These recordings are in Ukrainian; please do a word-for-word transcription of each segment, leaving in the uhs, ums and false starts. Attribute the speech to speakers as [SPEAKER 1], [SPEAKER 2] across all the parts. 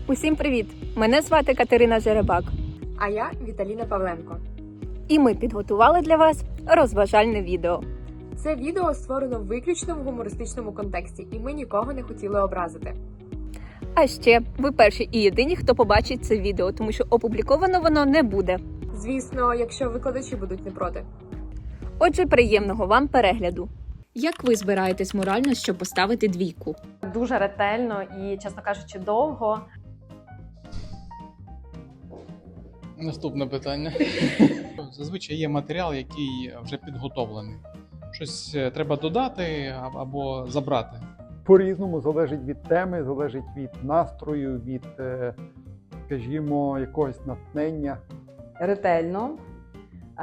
[SPEAKER 1] Усім привіт! Мене звати Катерина Жеребак.
[SPEAKER 2] А я Віталіна Павленко.
[SPEAKER 1] І ми підготували для вас розважальне відео.
[SPEAKER 2] Це відео створено виключно в гумористичному контексті, і ми нікого не хотіли образити.
[SPEAKER 1] А ще ви перші і єдині, хто побачить це відео, тому що опубліковано воно не буде.
[SPEAKER 2] Звісно, якщо викладачі будуть не проти.
[SPEAKER 1] Отже, приємного вам перегляду. Як ви збираєтесь морально, щоб поставити двійку?
[SPEAKER 3] Дуже ретельно і, чесно кажучи, довго.
[SPEAKER 4] Наступне питання. Зазвичай є матеріал, який вже підготовлений. Щось треба додати або забрати.
[SPEAKER 5] По-різному залежить від теми, залежить від настрою, від, е, скажімо, якогось натхнення.
[SPEAKER 6] Ретельно, е-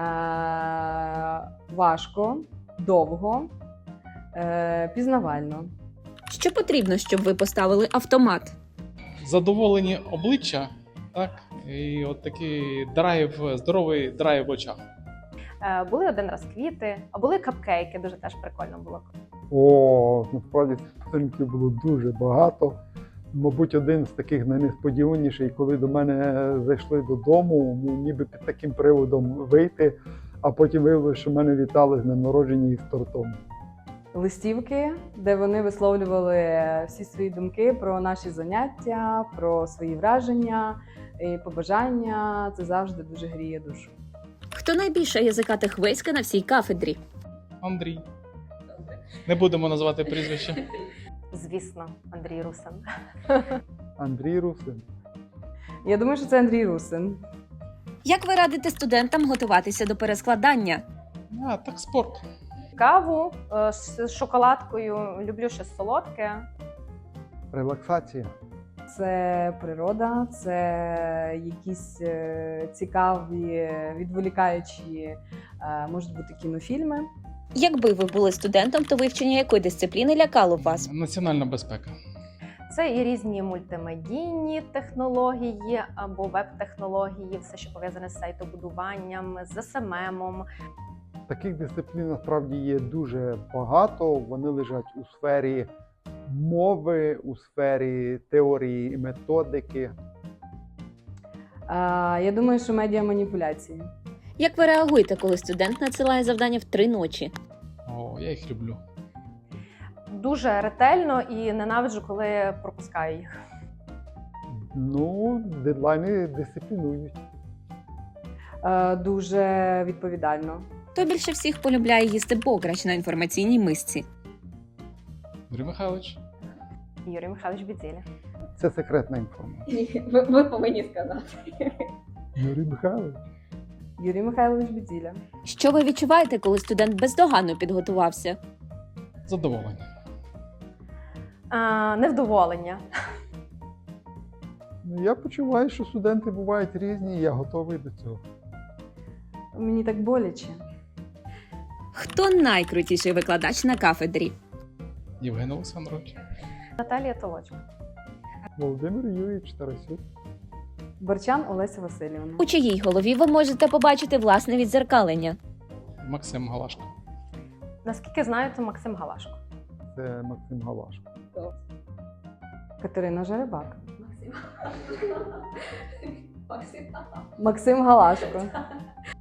[SPEAKER 6] важко, довго, е- пізнавально.
[SPEAKER 1] Що потрібно, щоб ви поставили автомат?
[SPEAKER 4] Задоволені обличчя, так? І от такий драйв, здоровий драйв в очах.
[SPEAKER 3] Е, Були один раз квіти, а були капкейки, дуже теж прикольно було.
[SPEAKER 5] О, насправді цих подарунків було дуже багато. Мабуть, один з таких найнесподіваніший, коли до мене зайшли додому, ну, ніби під таким приводом вийти, а потім виявилося, що мене вітали з днем народження із тортом.
[SPEAKER 6] Листівки, де вони висловлювали всі свої думки про наші заняття, про свої враження і побажання. Це завжди дуже гріє душу.
[SPEAKER 1] Хто найбільша язикатих виська на всій кафедрі?
[SPEAKER 4] Андрій. Не будемо називати прізвище.
[SPEAKER 3] Звісно, Андрій Русин.
[SPEAKER 5] Андрій Русин.
[SPEAKER 6] Я думаю, що це Андрій Русин.
[SPEAKER 1] Як ви радите студентам готуватися до перескладання?
[SPEAKER 4] А, так спорт.
[SPEAKER 3] Каву е, з шоколадкою, люблю щось солодке.
[SPEAKER 5] Релаксація.
[SPEAKER 6] Це природа, це якісь е, цікаві, відволікаючі, е, можуть бути кінофільми.
[SPEAKER 1] Якби ви були студентом, то вивчення якої дисципліни лякало б вас?
[SPEAKER 4] Національна безпека.
[SPEAKER 3] Це і різні мультимедійні технології або веб-технології, все, що пов'язане з сайтобудуванням, з ес ем ем.
[SPEAKER 5] Таких дисциплін насправді є дуже багато. Вони лежать у сфері мови, у сфері теорії і методики.
[SPEAKER 6] Е, я думаю, що медіаманіпуляції.
[SPEAKER 1] Як ви реагуєте, коли студент надсилає завдання в три ночі?
[SPEAKER 4] О, я їх люблю.
[SPEAKER 3] Дуже ретельно і ненавиджу, коли пропускаю їх.
[SPEAKER 5] Ну, дедлайни дисциплінують.
[SPEAKER 6] Е, дуже відповідально.
[SPEAKER 1] Хто більше всіх полюбляє їсти бограч на інформаційній мисці?
[SPEAKER 4] Юрій Михайлович.
[SPEAKER 3] Юрій Михайлович Бідзіля.
[SPEAKER 5] Це секретна інформація.
[SPEAKER 3] Ви, ви повинні сказати.
[SPEAKER 5] Юрій Михайлович.
[SPEAKER 6] Юрій Михайлович Бідзіля.
[SPEAKER 1] Що ви відчуваєте, коли студент бездоганно підготувався?
[SPEAKER 4] Задоволення.
[SPEAKER 3] А, невдоволення.
[SPEAKER 5] Ну, я почуваю, що студенти бувають різні, і я готовий до цього.
[SPEAKER 6] Мені так боляче.
[SPEAKER 1] Хто найкрутіший викладач на кафедрі?
[SPEAKER 4] Євген Олександрович.
[SPEAKER 3] Наталія Толочко.
[SPEAKER 5] Володимир Юрійович Тарасюк.
[SPEAKER 6] Борчан Олеся Васильівна.
[SPEAKER 1] У чиїй голові ви можете побачити власне віддзеркалення?
[SPEAKER 4] Максим Галашко.
[SPEAKER 3] Наскільки знаю, це Максим Галашко.
[SPEAKER 5] Це Максим Галашко.
[SPEAKER 6] Катерина Жеребак. Максим Галашко.